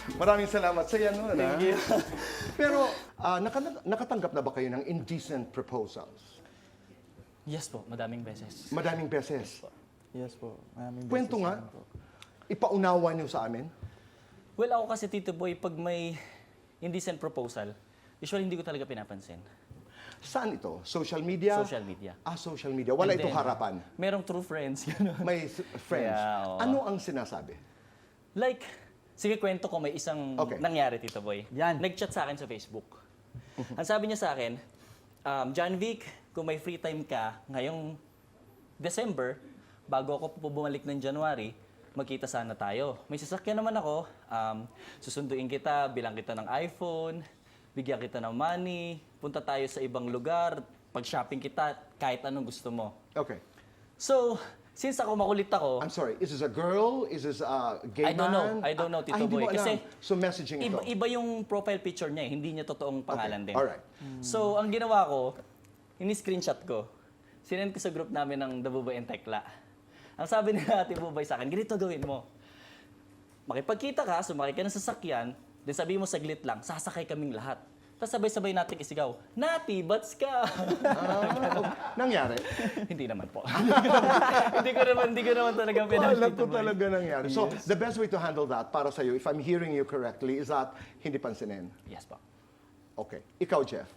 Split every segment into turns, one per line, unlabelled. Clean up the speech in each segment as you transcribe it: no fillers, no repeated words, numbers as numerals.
Maraming salamat sa yan.
Thank you.
Pero nakatanggap na ba kayo ng indecent proposals?
Yes po, madaming beses.
Madaming beses.
Yes po. Maraming
Kwento
beses
nga.
naman po.
Ipaunawa niyo sa amin.
Well, ako kasi, Tito Boy, pag may indecent proposal, usually hindi ko talaga pinapansin.
Saan ito? Social media?
Social media.
Social media. Wala
And
ito
then,
harapan.
Merong true friends. Gano'n.
May friends.
Yeah, oo.
Ano ang sinasabi?
Like, sige kwento ko, may isang
Okay.
nangyari, Tito Boy.
Yan.
Nag-chat sa akin sa Facebook. Ang sabi niya sa akin, John Vic, kung may free time ka ngayong December, bago ako bumalik ng January, magkita sana tayo. May sasakyan naman ako, susunduin kita, bilang kita ng iPhone, bigyan kita ng money, punta tayo sa ibang lugar, pag-shopping kita, kahit anong gusto mo.
Okay.
So, since ako makulit ako,
I'm sorry, is this a girl? Is this a gay
I don't know.
man?
I don't know, Tito
hindi
Boy.
mo alam.
Kasi
So messaging ito.
iba yung profile picture niya, hindi niya totoong pangalan din.
Alright.
So, ang ginawa ko, ini-screenshot ko. Sinend ko sa group namin ng The Bubay and Tekla. Ang sabi nila Ate Bubay sa akin, ganito gawin mo. Makipagkita ka, sumakay ka ng sasakyan, then sabi mo saglit lang, sasakay kaming lahat. Tapos sabay-sabay natin isigaw, Nati, bats ka!
Nangyari?
Hindi naman po. hindi ko naman talaga pinag
Alam ko talaga nangyari. So, the best way to handle that para sa'yo, if I'm hearing you correctly, is that hindi pansinin.
Yes po.
Okay. Ikaw, Jeff.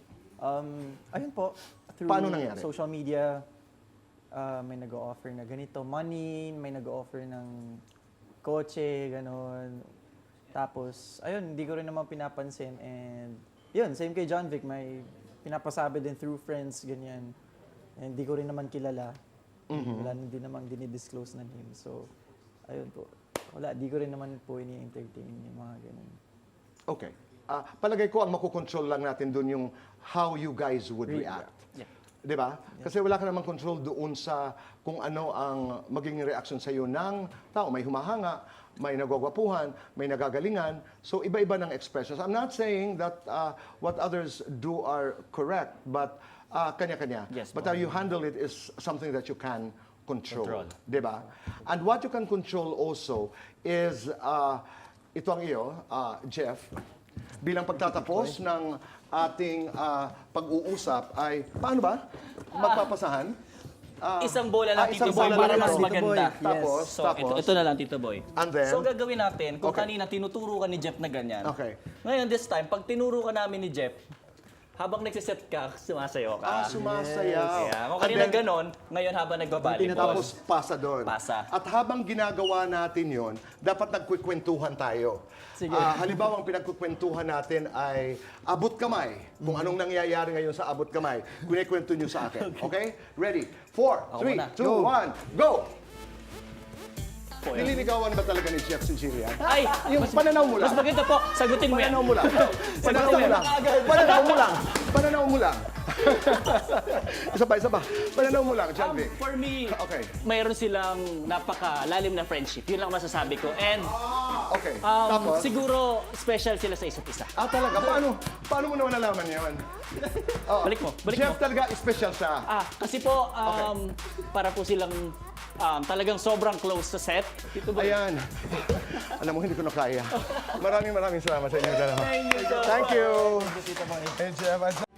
Ayun po. Through
Paano nangyari?
social media, may nag-o-offer na ganito, money, may nag-o-offer ng kotse, ganon. Tapos, ayun, hindi ko rin naman pinapansin. And, yun, same kay John Vic, may pinapasabi din through friends, ganyan. And hindi ko rin naman kilala. Wala din naman dinidisclose na name. So, ayun po. Wala, di ko rin naman po ini-entertain yung mga ganun.
Okay. Palagay ko ang makukontrol lang natin dun yung how you guys would react.
Yeah.
Di ba? Kasi wala ka namang control doon sa kung ano ang magiging reaction sa iyo ng tao. May humahanga, may nagwagwapuhan, may nagagalingan. So, iba-iba ng expressions. I'm not saying that what others do are correct, but kanya-kanya.
Yes,
But how you handle it is something that you can control.
Control.
Di ba? And what you can control also is, ito ang iyo, Jeff, bilang pagtatapos ng ating pag-uusap ay, paano ba? Magpapasahan?
Isang bola lang, Tito
isang
Boy,
bola
para
lang
mas
ito.
maganda.
Tapos,
So, ito na lang, Tito Boy.
And then?
So, gagawin natin, kung
Okay.
kanina tinuturo ka ni Jeff na ganyan.
Okay.
Ngayon, this time, pag tinuro ka namin ni Jeff, habang nagsiset ka, sumasayo ka.
Sumasayaw.
Kaya, kung
And
kanina
then,
ganon, ngayon habang nagbabalibol.
tapos pasa doon.
Pasa.
At habang ginagawa natin yon, dapat nagkukwentuhan tayo.
Sige.
Halimbawa, ang pinagkukwentuhan natin ay abot kamay. Kung anong nangyayari ngayon sa abot kamay, kunikwento nyo sa akin. Okay? Ready? 4,
Ako
3,
muna.
2, 1, go!
Po, yan.
Nililigawan ba talaga ni Jeff si Jillian?
Ay!
Yung pananaw mo lang.
Mas maganda po, sagutin mo yan.
Pananaw mo lang. Pananaw mo lang. Pananaw mo lang. Pananaw mo lang. Isa pa. Pananaw mo lang, John Vic.
For me,
Okay.
mayroon silang napakalalim na friendship. Yun lang masasabi ko. And
Okay. Tapos?
siguro special sila sa isa't isa.
Talaga? Paano mo naman nalaman yun?
Balik mo.
Jeff talaga, special siya.
Kasi po, para po silang talagang sobrang close sa set. Dito ba?
Ayan. Alam mo, hindi ko na kaya. Maraming salamat sa inyo dalawa.
Thank you, Doc.
Thank you. Hey, Jeff.